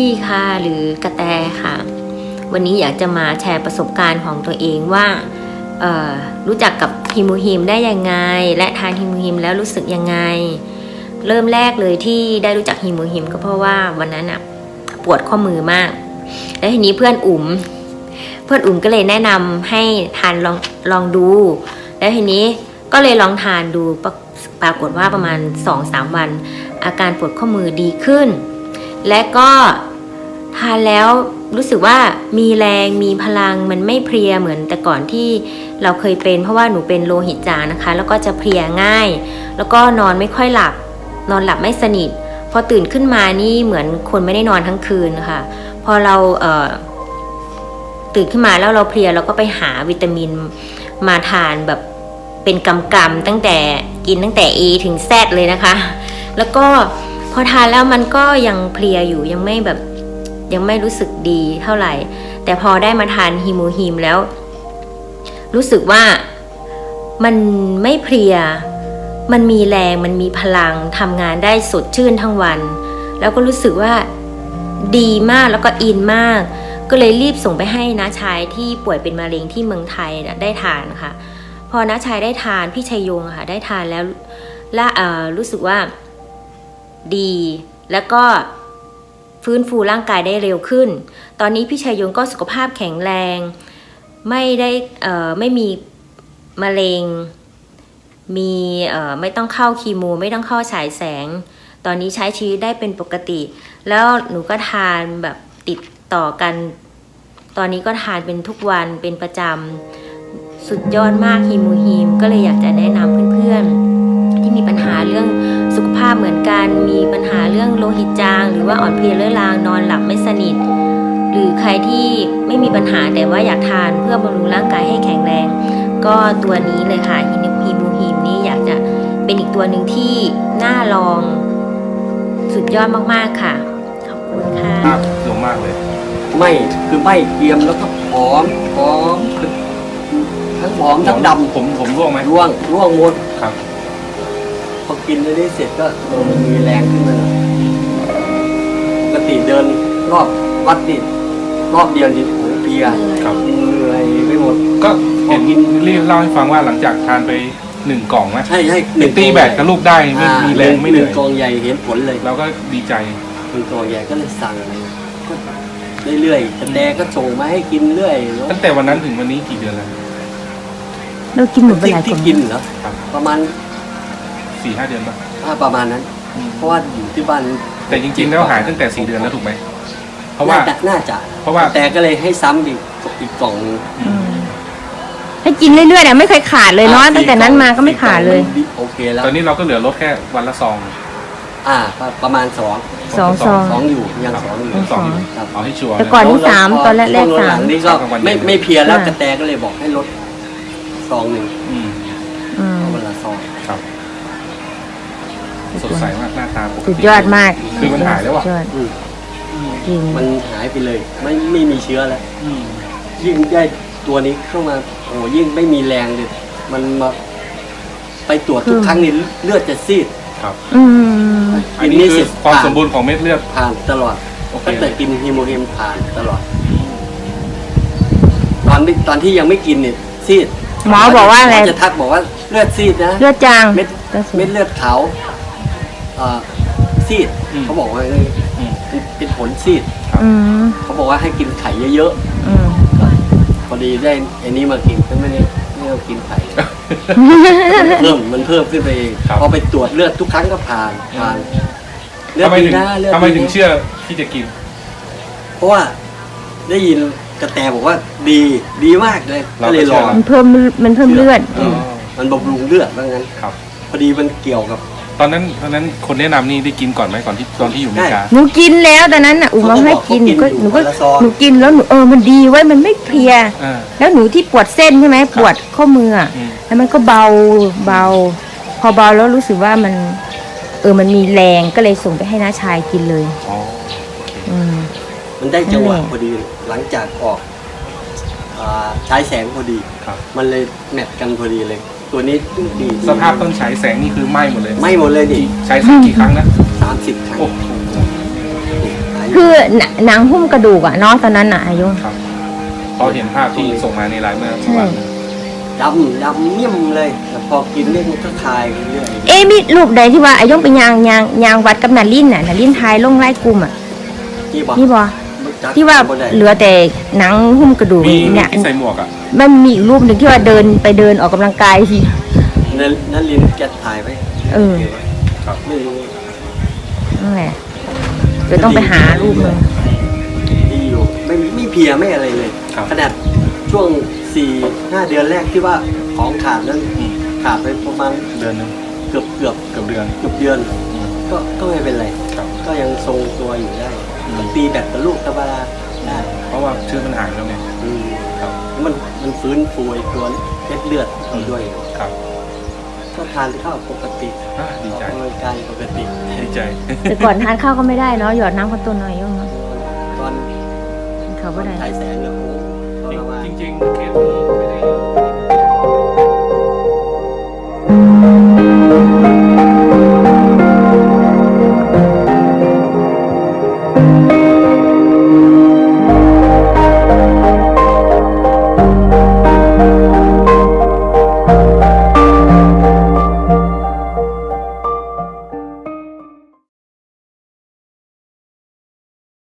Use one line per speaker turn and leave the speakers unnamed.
ลี่ค่ะหรือกระแตค่ะวันนี้อยากจะมาแชร์ประสบการณ์ของตัวเองว่ารู้จักกับฮิมูฮิมได้ยังไงและทานฮิมูฮิมแล้วรู้สึกยังไงเริ่มแรกเลยที่ได้รู้จักฮิมูฮิมก็เพราะว่าวันนั้นปวดข้อมือมากแล้วทีนี้เพื่อนอุ๋มก็เลยแนะนำให้ทานลองดูแล้วทีนี้ก็เลยลองทานดูปรากฏว่าประมาณ 2-3 วันอาการปวดข้อมือดีขึ้นและก็ทานแล้วรู้สึกว่ามีแรงมีพลังมันไม่เพลียเหมือนแต่ก่อนที่เราเคยเป็นเพราะว่าหนูเป็นโลหิตจางนะคะแล้วก็จะเพลียง่ายแล้วก็นอนไม่ค่อยหลับนอนหลับไม่สนิทพอตื่นขึ้นมานี่เหมือนคนไม่ได้นอนทั้งคืนค่ะพอเราตื่นขึ้นมาแล้วเราเพลียเราก็ไปหาวิตามินมาทานแบบเป็นกำๆตั้งแต่กินตั้งแต่ A ถึง Z เลยนะคะแล้วก็พอทานแล้วมันก็ยังเพลียอยู่ยังไม่รู้สึกดีเท่าไหร่แต่พอได้มาทานฮิมูฮิมแล้วรู้สึกว่ามันไม่เพลียมันมีแรงมันมีพลังทำงานได้สดชื่นทั้งวันแล้วก็รู้สึกว่าดีมากแล้วก็อินมากก็เลยรีบส่งไปให้น้าชายที่ป่วยเป็นมะเร็งที่เมืองไทยได้ทานค่ะพอน้าชายได้ทานพี่ชัยยงค่ะได้ทานแล้วรู้สึกว่าดีแล้วก็ฟื้นฟูร่างกายได้เร็วขึ้นตอนนี้พี่ชัยยงก็สุขภาพแข็งแรงไม่มีมะเร็งไม่ต้องเข้าคีโมไม่ต้องเข้าฉายแสงตอนนี้ใช้ชีวิตได้เป็นปกติแล้วหนูก็ทานแบบติดต่อกันตอนนี้ก็ทานเป็นทุกวันเป็นประจำสุดยอดมากฮิมูฮิมก็เลยอยากจะแนะนำเพื่อนๆที่มีปัญหาเรื่องสุขภาพเหมือนกันมีปัญหาเรื่องโลหิตจางหรือว่าอ่อนเพลียเรื้อรังนอนหลับไม่สนิทหรือใครที่ไม่มีปัญหาแต่ว่าอยากทานเพื่อบำรุงร่างกายให้แข็งแรงก็ตัวนี้เลยค่ะฮิมูฮิมนี่อยากจะเป็นอีกตัวหนึ่งที่น่าลองสุดยอดมากๆค่ะขอบคุณค่ะ
สูงมากเลย
ไม่คือไม่เกรียมแล้วก็ผอมทั้งผอมทั้งดำ
ผมร่วงไหม
ร่วงหมด
ครับ
พอกินได้เสร็จก็มีแรงขึ้นมาปกติเดินรอบวัดนี่รอบเดียวนี่โอ้เพลียเหนื่อยไปหมด
ก็เห็นรีบเล่าให้ฟังว่าหลังจากทานไป1 กล่องนะ
ใช่
ตีแบตกับลูกได้ไม่มีแรงไม่เหนื่อย
กล่องใหญ่เห็นผลเลย
เราก็ดีใจ
1 กล่องใหญ่ก็เลยสั่งเรื่อยๆแต่ก็ส่งมาให้กินเรื่อย
ตั้งแต่วันนั้นถึงวันนี้กี่เดือนแล้ว
เรากินหมดไปหลายกล่อง
ที่กินเหรอประมาณ
4-5 เดือนป่ะ
ประมาณนั้นเพราะว่าอยู่ที่บ้าน
แต่จริงๆแล้วหายตั้งแต่4 เดือนแล้วถูกไหมเพราะว่า
น่าจะเพราะว่าแต่ก็เลยให้ซ้ำอีกกล่อง
ให้กินเรื่อยๆเนี่ยไม่เคยขาดเลยเนาะตั้งแต่นั้นมาก็ไม่ขาดเลย
โอเคแล้ว
ตอนนี้เราก็เหลือลดแค่วันละซอง
ประมาณ2อยู่ยัง2อยู่
เอาให้ชัวร์
แต่ก่อนที่3ตอนแรก
3นี่ก็ไม่เพียแล้วกระแตก็เลยบอกให้ลดซอง1วันละซอง
ครับสดใสมากหน้าตาปกติ
สุดยอดมาก
คือมันหายแล้วอ่ะ
มันหายไปเลยไม่มีเชื้อแล้วยิ่งได้ตัวนี้เข้ามาโอ้ยิ่งไม่มีแรงเลยมันมาไปตรวจทุกครั้งนี่เลือดจะซีด
ครับอันนี้คือความสมบูรณ์ของเม็ดเลือด
ผ่านตลอดตั้งแต่กินฮิโมเฮมผ่านตลอดตอนที่ยังไม่กินเนี่ยซีด
หมอบอกว่าอะไร
จะทักบอกว่าเลือดซีดนะ
เลือดจาง
เม็ดเลือดขาวซีดเขาบอกว่าเป็นผลซีดเขาบอกว่าให้กินไข่เยอะๆพอดีได้อันนี้มากินก็ไม่ได้กินไข่มันเพิ่มขึ้นไปเองพอไปตรวจเลือดทุกครั้งก็ผ่าน
เลือดดีนะทำไมถึงเชื่อที่จะกิน
เพราะว่าได้ยินกระแตบอกว่าดีมากเลยก็เลยลอง
มันเพิ่มเลือด
มันบำรุงเลือดว่างั้นพอดีมันเกี่ยวกับ
ตอนนั้นคนแนะนำนี่ได้กินก่อนไหมก่อนที่ตอนที่อยู่อเมริกา
หนูกินแล้วตอนนั้นน่ะมาให้กินหนูกินแล้วหนูมันดีไว้มันไม่เพลียแล้วหนูที่ปวดเส้นใช่ไหมปวดข้อมือแล้วมันก็เบาพอเบาแล้วรู้สึกว่ามันมันมีแรงก็เลยส่งไปให้น้าชายกินเลย
มันได้จังหวะพอดีหลังจากออกใช้แสงพอดีมันเลยแมทกันพอดีเลยตัวนี้ดี
สภาพต้นฉายแสงนี่คือไหม้หมดเลย
ดิ
ใช้สักกี่ครั้งนะ
30 ครั้งอยู่
คือหนังหุ้มกระดูกอะเนาะตอนนั้นอะอายุ
ครับพอเห็นภาพที่ส่งมาในไลน์เมื่อ
ใช่
วัน
ดำเมี่ยมเลยแต่พอกินเรื่องมันก็คลายไปเรื่อย
เอ๊ะมีรูปใดที่ว่าอายุไปยางวัดกับนารินน่ะนารินทายลงไล่กลุ่มอะ
นี่บอก
นี่บ่ที่ว่าเหลือแต่หนังหุ้มกระดูก
มี
เนี่ย
ที่ใส่หมวกอ่ะ
มันมีอีกรูปหนึ่งที่ว่าเดินออกกำลังกายที
นั่นลินแกถ่ายไว้
เออ
ครับ
ไม่รู้
นั่นแหละเดี๋ยวต้องไปหารูปเลย
ดีอยู่ไม่เพลียไม่อะไรเลย
ครับ
ขนาดช่วง 4-5 เดือนแรกที่ว่าของขาดนั้นขาดไปประมาณ
เดือนหนึง
เกือบ
เกือบเดือน
เดือน
อืม
ก็ไม่เป็นไร
ครับ
ก็ยังทรงตัวอยู่ได้ตีแบตกับลูกธรรมดาได้
เพราะว่าชื่อมันหายแล้วไง
อืม
ครับ
มันฟื้นฟูไอ้ตัวเม็ดเลือดเราด้วย
ครับ
ก็ทานข้าวปกติ
ดีใจ
ออกกำลังกายปกติ
ดีใจ
แต่ก่อนทานข้าวก็ไม่ได้เนาะหยอดน้ำข้าวต้นหน่อยยุ่งเนาะ
ตอน
เขาก็ได้
ฉายแสงเนี่ยโอ้โหทรมาน
จริงๆเคสนี้ไม่ได้